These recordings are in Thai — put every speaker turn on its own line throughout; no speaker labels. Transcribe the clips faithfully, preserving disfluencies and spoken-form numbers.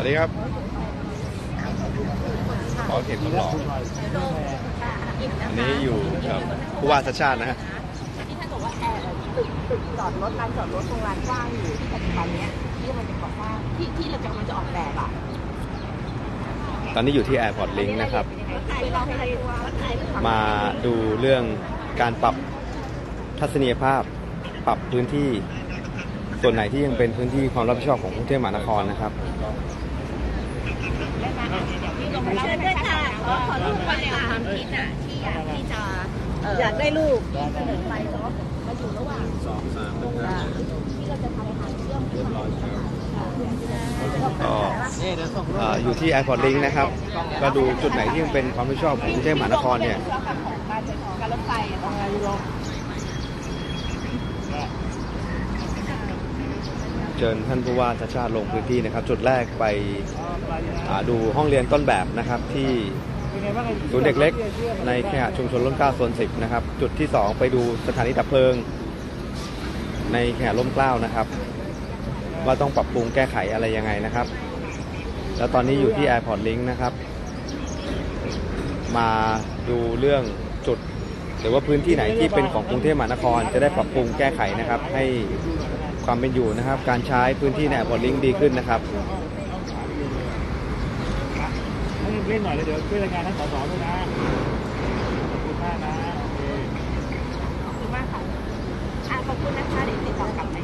วัสดีครับขอเข็มทดลองอันนี้อยู่กับผู้ว่าชาติชาตินะฮะ
ที่ท่านบอกว่าแอร์ตึกตึกจอดรถลานจอดรถตรงลานกว้างอยู่ที่ปัจจุบันนี้ที่มันจะก่อสร้างที่ที่เราจะมันจะออกแบบอ่ะ
ตอนนี้อยู่ที่ Airport Link นะครับมาดูเรื่องการปรับทัศนียภาพปรับพื้นที่ส่วนไหนที่ยังเป็นพื้นที่ความรับผิดชอบของกรุงเทพมหานครนะครับ
เชิญด้วยค่ะขอขอรูปมาความคิดอ่ะที่อยากที่จะอยากได้ลูกเสนอไปเนาะมาอยู่ระหว่างสองสามที่เราจะทำทางเชื่อมขึ้นมา
ก็อยู่ที่ Airport Link นะครับก็ดูจุดไหนที่ยังเป็นความรับผิดชอบของกรุงเทพมหานครเนี่ย
การรถไฟ
เชิญท่านผู้ว่าชาติชาติลงพื้นที่นะครับจุดแรกไปดูห้องเรียนต้นแบบนะครับที่ศูนย์เด็กเล็กในเคหะชุมชนร่มเกล้าโซนสิบนะครับจุดที่สองไปดูสถานีดับเพลิงในเคหะร่มเกล้านะครับว่าต้องปรับปรุงแก้ไขอะไรยังไงนะครับแล้วตอนนี้อยู่ที่ Airport Link นะครับมาดูเรื่องจุดหรือว่าพื้นที่ไหนที่เป็นของกรุงเทพมหานครจะได้ปรับปรุงแก้ไขนะครับให้ความเป็นอยู่นะครับการใช้พื้นที่ใน Airport Link ดีขึ้นนะครับ
เล่นหน่อยเลยเดี๋ยวช่วยรายงานท่านสสด้วยนะขอบคุณมากนะ
ขอบคุณมากค่ะขอบคุณนะคะเดี๋ยวติดต่อกลับไป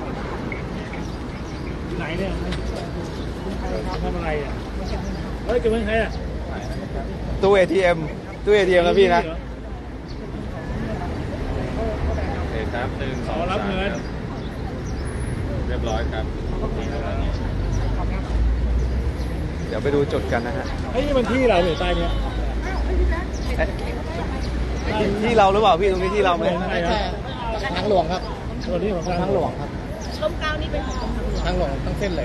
ไหนเนี่ยทำอะไรอ่ะเฮ้ยจะเป็นใครอ่ะ
ตู้ เอ ที เอ็ม ตู้ เอ ที เอ็ม นะพี่นะ
เอกครับหนึ่งสอง
รับเงิน
เรียบร้อยครับ
เดี๋ยวไปดูจุดกันนะฮะ
ไอ้นี่มันที่เราหรือใต้เนี้ย
ที่เราหรือเปล่าพี่ตรงนี้ที่เราไหม
ทางหลวงครับ
ตัวนี้ของ
ทางหลวงครับ
ร่มเกล้านี่เป็นของ
ทางหลวงทั้งเส้นเลย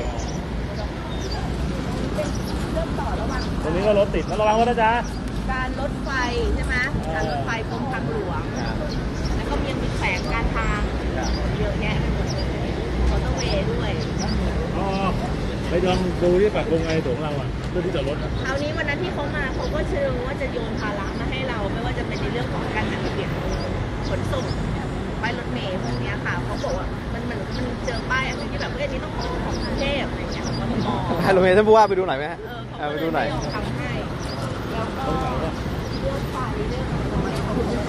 เริ่มต่อระหว่าง
ตรงนี้ก็รถติดระวังรถนะจ๊ะ
การรถไฟใช่ไหมการรถไฟกรมทางหลวงแล้วก็ยังมีแขวงการทางเยอะแยะไปหมดเลยมอเตอร์เวย์ด้วย
อ๋อไปลองดูที่ปากกงไงของเราอ่ะเพื่อที่จะรถ
คราวนี้วันนั้นที่เขามาเขาก็เชิญว่าจะโยนภาระมาให้เราไม่ว่าจะเป็นในเรื่องของการจัดระเบียบขนส่งป้ายรถเมล์พวกนี้ค่ะเขาบอกว่ามันมันมันเจอป้ายอะไรที่แบบเรื่องนี้ต้องของของกรุงเทพอะไรเงี้ยของกทม
ป้ายรถเมล์ท่านผู้ว่าไปดูหน่อยไหมฮะไปดูหน่อย
ทำให้แล้วก็เรื่องไฟเรื่องอะไรเขา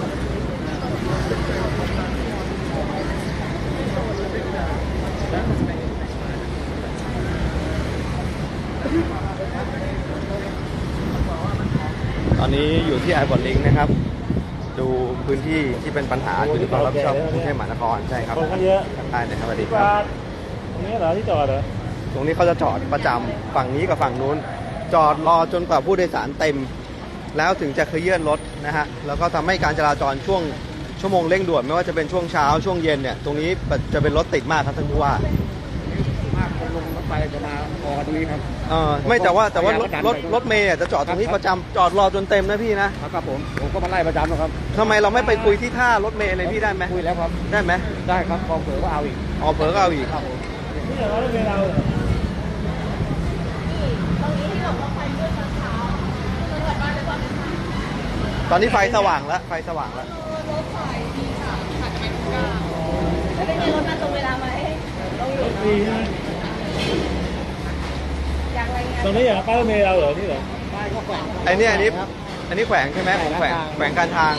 ตอนนี้อยู่ที่ Airport Link นะครับดูพื้นที่ที่เป็นปัญหาอยู่ที่ความรับผิดชอบของกรุงเทพมหานครใช่ครับ
คนเยอะ
ใช่นะครับสวัสดีครับ
ตรงนี้เหรอที่จอดเหรอ
ตรงนี้เขาจะจอดประจำฝั่งนี้กับฝั่งนู้นจอดรอจนกว่าผู้โดยสารเต็มแล้วถึงจะเคลื่อนรถนะฮะแล้วก็ทำให้การจราจรช่วงชั่วโมงเร่งด่วนไม่ว่าจะเป็นช่วงเช้าช่วงเย็นเนี่ยตรงนี้จะเป็นรถติดมากครับท่านผู้ว่า
ลงรถไฟจะมาออกตรงนี้ครับ
เออไม่แต่ว่าแต่ว่ารถรถรถเมย์จะจอดตรงนี้ประจำจอดรอจนเต็มนะพี่นะครับ
ผมผมก็มาไล่ประจำนะครับ
ทำไมเราไม่ไปคุยที่ท่ารถเมย์อะไรพี่ได้ไหม
คุยแล้วครับ
ได้ไหม
ได้ครับพอเผลอก็เอาอีก
อ๋อเผลอก็เอาอีก
ครับผม
นี่เหรอรถเมย์เรา
ตรงนี้ที่บอกว่าไฟเมื่อเช้า
ตอนนี้ไฟสว่างแล้วไฟสว่างแล้ว
รถไฟดีค่ะผ่านไปทุกก้าวแล้วเป็นไงรถมาตรงเวลาไหมต้องอยู่
ดีนะตรงนี้อย่างป้ายรถเมล์เราเหรอนี่เหรอ
ป้ายก็แขวง
ไอ้นี่อันนี้อันนี้แขวงใช่ไหมของแขวงแขวงการทาง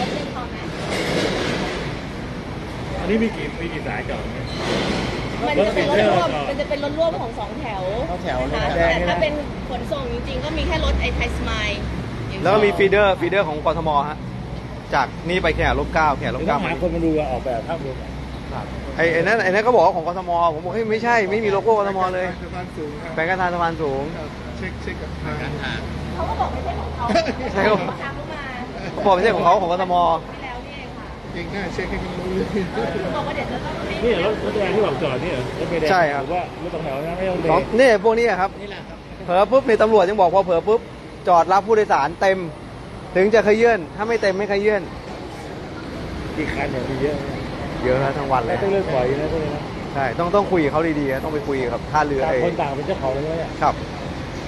อันนี้มีกี่มีกี่สายจอด
มันจะเป็นรถร่วมมันจะเป็นรถร่วมของสองแถว
แถว
นะคะแต่ถ้าเป็นขนส่งจริงๆก็มีแค่รถไอ้ไทยสมาย
แล้วก็มีฟีเดอร์ฟีเดอร์ของกทมฮะจากนี่ไปแค่ลบเก้าแค่ลบเก้า
หาคนมาดูออกแบบภาพรวม
ไอ้นั่นไอ้นั่นก็บอกของกทมผมบอกเฮ้ยไม่ใช่ไม่มีโลโก้กทมเลยแขวงการทางสะพานสูง
เช็คเช็คกับทาง
เขาก็บอกไม่ใช่ของเขา
ใช่ครับเขาบอกไม่ใช่ของเขาของกทม
เองน่าเช็คให้เขารู้เลย
นี่รถรถแดงที่บอกจอดนี่เหรอรถเมล์แดง
ใช่ครับ
ว่ารถสองแถวนะไม่ต้องเบรก
นี่พวกนี้ครับเผลอปุ๊บมีตำรวจยังบอกว่าเผลอปุ๊บจอดรับผู้โดยสารเต็มถึงจะขยื่นถ้าไม่เต็มไม่ขยื่น
กี่คันเนี่ยมีเยอะ
เยอะทั้งวันเลย
ต้องเลือกปล่อยนะพวกนี้นะ
ใช่ต้องต้องคุยกับเขาดีๆต้องไปคุยกับท่าเรือ
ต่างคนต่างเป็นเจ้าของเลยเนี่ย
ครับ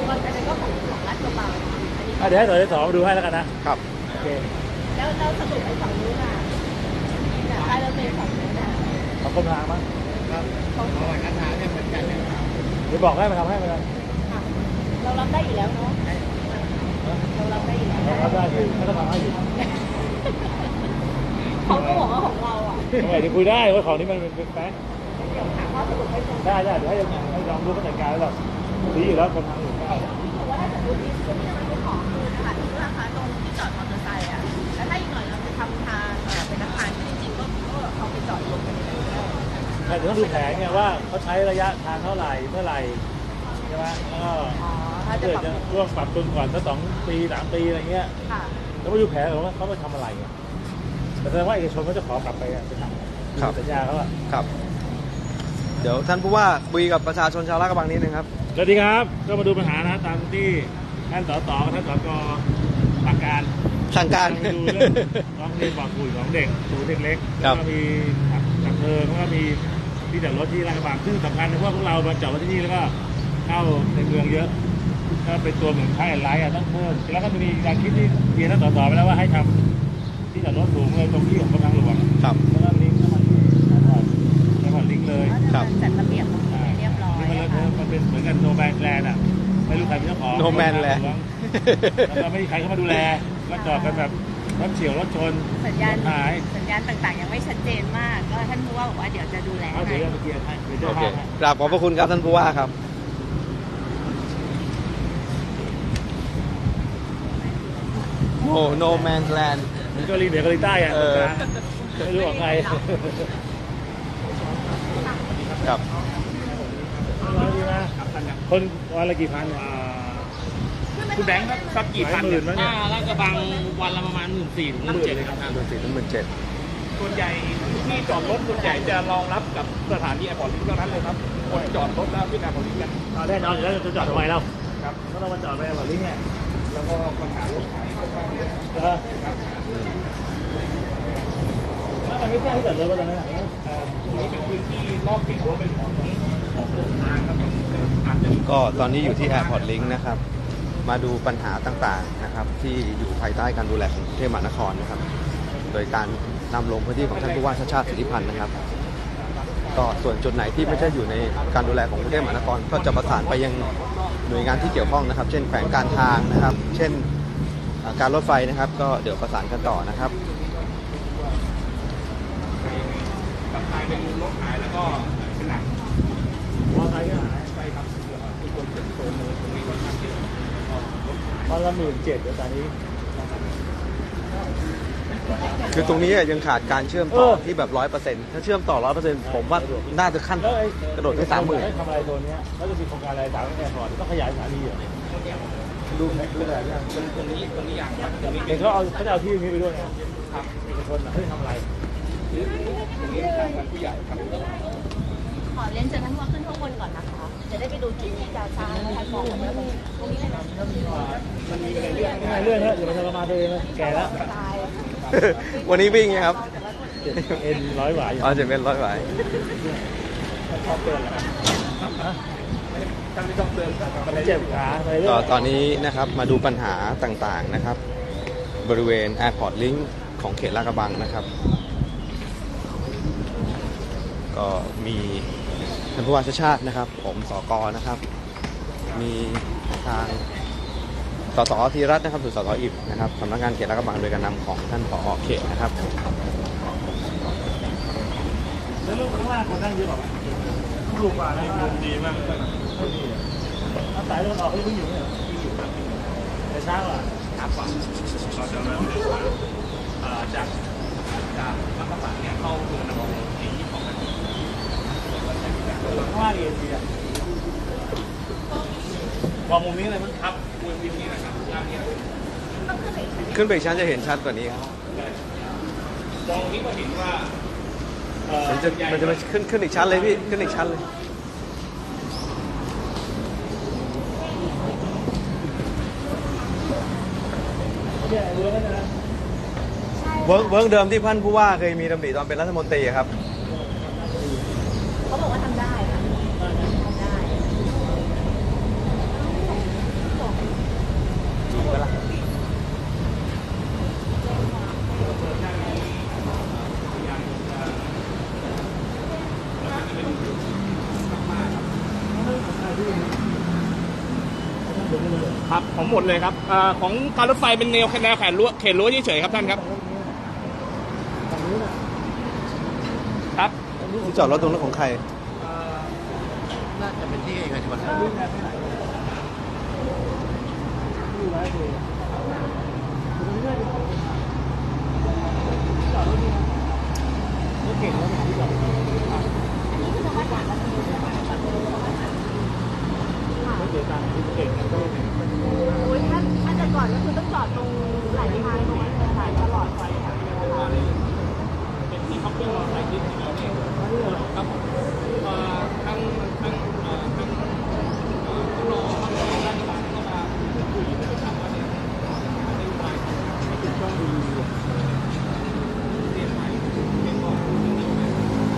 ก็อันนั้นก็ของของราชกระบังอันนี้
อ่ะเดี๋ยวให้สสมาดูให้แล้วกันนะครับ โอเค
แล้วเราสรุปไปฝั่งนู้นอ่ะแต่ใต้รถเมล์ฝั่งนู้นอ่ะ
ขอบคนทางมั้ง
ครับเอาหลักฐานเนี่ยเหมือนกันเนี่ย
เดี๋ยวบอกให้มาทำให้มาเลย
ค่ะเรารับได้อยู่แล้วเนาะเรารับได้อยู่แล้ว
รับได้ที่เขาต้องทำให้อยู่
เขาก็บอกว่าของเราอ่ะ
ทำไมเดี๋ยวคุยได้ว่าของนี้มันเป็นแฟกต์
เดี๋ยวถามว่าสรุปให้ตรง
ได้ได้เดี๋ยวให้ให้ลองดูเขาจัดการแล้วหรอกดีอยู่แล้วคนทางอยู่
แต่ว่าถ้าสมมติที่ที่มันเป็นของคือค่ะที่ราคาตรงที่จอดมอเตอร์ไซค์อ่ะแล้วถ้าอีกหน่อยเราจะทำทางเอ่อเป็นอาคารที่จริงๆก็ก็เขาไปจอดรถกันในนั้นได้
แต่เดี๋ยวต้องดูแผนไงว่าเขาใช้ระยะทางเท่าไหร่เมื่อไหร่ใช่ไหมแล้วก็
อ๋อถ้าจะ
เกิด
ปรับ
จะร่วมปรับปรุงก่อนสักสองปีสามปีอะไรเงี้ย
ค่ะ
แล้วมาดูแผนว่าเขาไปทำอะไรไงแต่แสดงว่าเอกชนเขาจะขอกลับไปอะไปทำ
ครับ
สัญญาเขาอะ
ครับ เดี๋ยวท่านผู้ว่าคุยกับประชาชนชาวลาดกระบังนิดนึงครับ
สวัสดีครับก็มาดูปัญหานะตามที่ท่านสสกับท่านสกสั่งการ
สั่งการ
ไปดูเรื่องร้องเรียนบอกคุยของเด็กศูนย์เด็กเล็ก
ครั
แล้ว
บ
ก็มีดับเพลิงแล้วก็มีที่จอดรถที่ลาดกระบังซึ่งสำคัญเพราะว่าพวกเรามาจอดรถที่นี่แล้วก็เข้าในเมืองเยอะก็เป็นตัวเหมือนค่ายไลท์อะต้องเพิ่มแล้วก็มีการคิดที่เรียนท่านสสไปแล้วว่าให้ทำที่จอดรถสูงเลยตรงที่ของกรมทางหลวง
ครับ
แล้วก็ลิงก์เข้ามาที่แอร์พอร์ตแอร์พอร์ตลิงก์เลย
ครับ
จัดระเบียบตรงนี้ให้เรียบร้อย
นี่มัน
นะคะ
มันเป็นเหมือนกันโนแมนแลนด์อะไม่รู้ใครเป็นเจ้าของ
No Man Land
แล้วก็ไม่มีใครเข้ามาดูแลก็จอดกันแบบรถเฉียวรถชน
สัญญาณ
รถหาย
สัญญาณต่างๆยังไม่ชัดเจนมาก ก็ท่านผู้ว่าบอกว่าเดี๋ยวจะดูแล
เอา
ให้
เดี๋ยวจะเกียร์ให้เดี๋ยว
โอ
เจ้า
เค
ภาพให้
กราบขอบพระคุณครับท่านผู้ว่าครับ โอ้ no man's land
มันก็รีเหนือเกาหลีใต้อะ
เอ
ตรง
อ
กลางไม่รู้ของใคร
ครับ
ร้อยดีนะคนวันละกี่พันอ่า
คุณแบงค์ครับสักกี่พัน
หลายหมื่นมั้งเนี่ย
อ่าลาดกระบังวันละประมาณหมื่นสี่ถึงหมื่นเจ็ดเลยครับ
หมื่นสี่ถึงหมื่นเจ็ด
ส่วนใหญ่ที่จอดรถส่วนใหญ่จะรองรับกับสถานีแอร์พอร์ตลิงก์เท่านั้นเลยครับคนจอดรถแล้วที่แอร์พอร์ตลิงก์กัน
เอาแน่นอนอยู่แล้วจะจอดทำไมเรา
ครับ
ก็ต้องมาจอดไปแอร์พอร์ตลิงก์เนี่ย
แล้วก็ปัญหารถขายค่อนข้างเยอะ
เออแล้วมันไม่ใช่ที่จอดรถว่าตอนนั้นอะ
เอ่อตรงนี้เป็นพื้นที่รอบเขตรั้วเป็นของของโรงทางครับอาจจะมี
ก็ตอนนี้อยู่ที่ Airport Link นะครับ มาดูปัญหาต่างๆนะครับ ที่อยู่ภายใต้การดูแลของกรุงเทพมหานครนะครับ โดยการนำลงพื้นที่ของท่านผู้ว่าชาติชาติสิทธิพันธ์นะครับ ก็ส่วนจุดไหนที่ไม่ใช่อยู่ในการดูแลของกรุงเทพมหานคร ก็จะประสานไปยังหน่วยงานที่เกี่ยวข้องนะครับ เช่นแขวงการทางนะครับ เช่นอ่าการรถไฟนะครับ ก็เดี๋ยวประสานกันต่อนะครับ
กับทางเป็นรถขายแล้วก็เป็นหนัง
มอเตอร์ไซค์ก็หาย
ไปครับทุกคนเป็นโซนเลยตรงนี้ค่อนข้างเยอะ
วันละหมื่นเจ็ดเดี๋ยวตอนนี้
คือตรงนี้ยังขาดการเชื่อมต่อ
เออ
ที่แบบร้อยเปอร์เซ็นต์ถ้าเชื่อมต่อร้อยเปอร์เซ็นต์ผมว่าน่าจะขั้น
แล้วไอ้
กระโดดไปสามหมื่น
ให้ทำอะไรตัวเนี้ยแล้วจะมีโครงการอะไรสามแอร์พอร์ตต้องขยายสถานีเหรอดูดูแบบนี้
ตรงนี้ตรงนี้อย่างครับตรงนี้
เห็นเขาเอาเขาจะเอาที่นี้ไปด้วยนะครับ เอกชนอ่ะเฮ้ยทำอะไร
ตรงนี้ทางผู้ใหญ่ครับ
ขอเรียนเชิญท่านผู้ว่าขึ้นข้างบนก่อนนะคะ จะได้ไปดูจุดที่จะสร้างและท่านบอกว่าตรงนี้เลยนะ
มันมีอะไรเรื่อง
ไม่เรื่องเถอะอย่าไปทรมานตัวเองเลยแก่แล้ว
ตาย
วันนี้วิ่งไงครับ
เจ็บเอ็นร้อยหวายอยู่
อ๋อจะเป็นร้อยไหว
ชอบเตือนแหละฮะ
ท่านไม่ต้องเตือนครับ
มันเจ็บขาอะไรเรื่
ก็
อง
ตอนนี้นะครับมาดูปัญหาต่างๆนะครับ บริเวณ Airport Link ของเขตลาดกระบังนะครับ ก็มีท่านผู้ว่าชาติชาตินะครับ ผมสกนะครับ มีทางสสธีรัตน์นะครับหรือสสอิบนะครับสำนักงานเขตลาดกระบังโดยการนำของท่านผอเขตนะครับ
แล้วลูกข้างล่างคนนั่งเยอะกว่าไหมถูกกว่านะดีมากถ้าสายลมออกเขายังอยู่เนี่ยแต่เช้าอ่ะ
ครับผมเราจะเริ่มเดินทางเอ่อจากจากมักกะสันเนี่ยเข้าสู่นครศรีของมัน
ข้างล่างเอ็นดีอ่ะมองมุมนี้เลยมั้ง
ครับบนวิธีนะครับย่านเนี้
ขึ้นไปอีกชั้นจะเห็นชัดกว่านี้ครับ
มองนี้ก็เห็นว่า
เอ่อ
มันจะมันจะมาขึ้นขึ้นอีกชั้นเลยพี่ขึ้นอีกชั้นเลย
เนี่ยเรือนั่นนะ
เวิร์กเวิร์กเดิมที่ท่านผู้ว่าเคยมีดำริตอนเป็นรัฐมนตรีอะครับ
เขาบอกว่าทำได้ค่ะทำได้
ครับของหมดเลยครับอ่าของการรถไฟเป็นแนวแนวแขนรั้วเขตรั้วเฉยๆครับท่านครับครับ
ที่จอดรถตรงนั้นของใคร
น่าจะเป็นที่เอกชน
โอ้ยถ้าถ้าจะก่อนก็คือต้องจอดตรงไหลทางตรงนั้นเลยค่ะตลอดไปค่ะ
เป็นที่เขาเพิ่งมาใส่ที่ที่เราเนี่ยครับผมเอ่อทางทางเอ่อทางเอ่อผู้รอทางราชการก็มาคุยนะครับว่าเนี่ยนโยบายให้ถูกต้องดีเรียนไปเรียนก่อนเรียนไป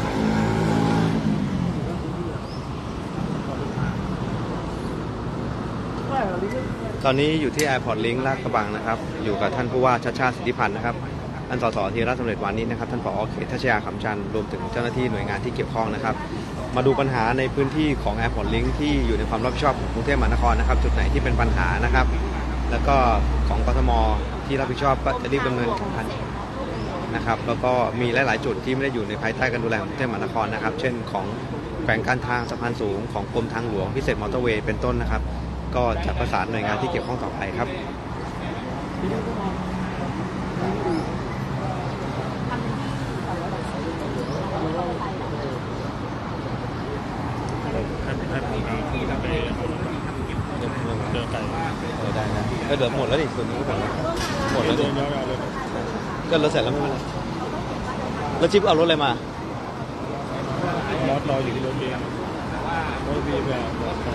ตอนนี้อยู่ที่ Airport Link ลาดกระบังนะครับ อยู่กับท่านผู้ว่าชัชชาติสิทธิพันธ์นะครับท่านสสธีรสำเร็จวานิชนะครับ ท่านผอ.เขตทัชยาขำจันทร์รวมถึงเจ้าหน้าที่หน่วยงานที่เกี่ยวข้องนะครับ มาดูปัญหาในพื้นที่ของ Airport Link ที่อยู่ในความรับผิดชอบของกรุงเทพมหานครนะครับ จุดไหนที่เป็นปัญหานะครับ แล้วก็ของกทมที่รับผิดชอบก็จะรีบดำเนินการนะครับ แล้วก็มีหลาย ๆ จุดที่ไม่ได้อยู่ในภายใต้การดูแลของกรุงเทพมหานครนะครับ เช่นของแขวงการทางสะพานสูงของกรมทางหลวงพิเศษมอเตอร์เวย์เป็นต้นนะครับ ก็จะประสานหน่วยงานที่เกี่ยวข้องต่อไปครับ
ท่านท่านมีที่ทำไปเดินไป
เออได้นะก็เดี๋ยวหมดแล้วดิส่วนนี้ก็หมดแล้วหมดแล้วดิ
เดินยาวๆเลย
ก็รถเสร็จแล้วไม่เป็นไรแล้วจิ๊บเอารถอะไรมา
รถรออยู่ที่รถเรียนรถพี่แบบรถไฟ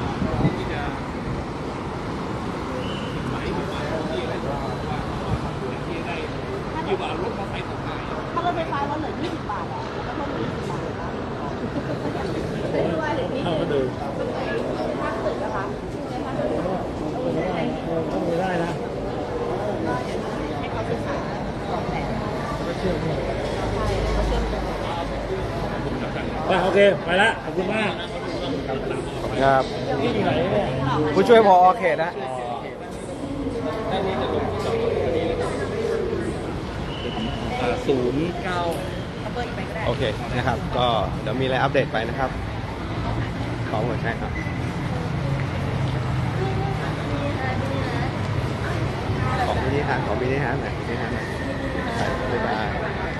อยู่กับรถมอเตอร์ไซค์ต่าง
ถ้ารถไฟฟ้าเราเหลือยี่สิบบาทอ่ะแล้วก็ยี่สิบบาทนะไม่รู้ว่าเหลือที่
เข้าก็เดิน
ถ้าเกิดนะคะถ้าเกิด
ต้องมีได้นะ
ให้เขาศึกษาก่อนแหละ
ก็เชื่อม
ใช่เขาเชื่อมกัน
โอเคไปละขอบคุณมาก
ครับ
ที่อยู่ไหนเนี่ย
ผู้ช่วยพอเขตนะ
ศูนย์เก้า
เอาเบอร์อีกไปก็ได้
โอเคนะครับ ก็เดี๋ยวมีอะไรอัปเดตไปนะครับ ขอหมดใช่ครับ ของมินิฮาร์ดของมินิฮาร์ดหน่อยมินิฮาร์ดหน่อยไปบ๊ายบาย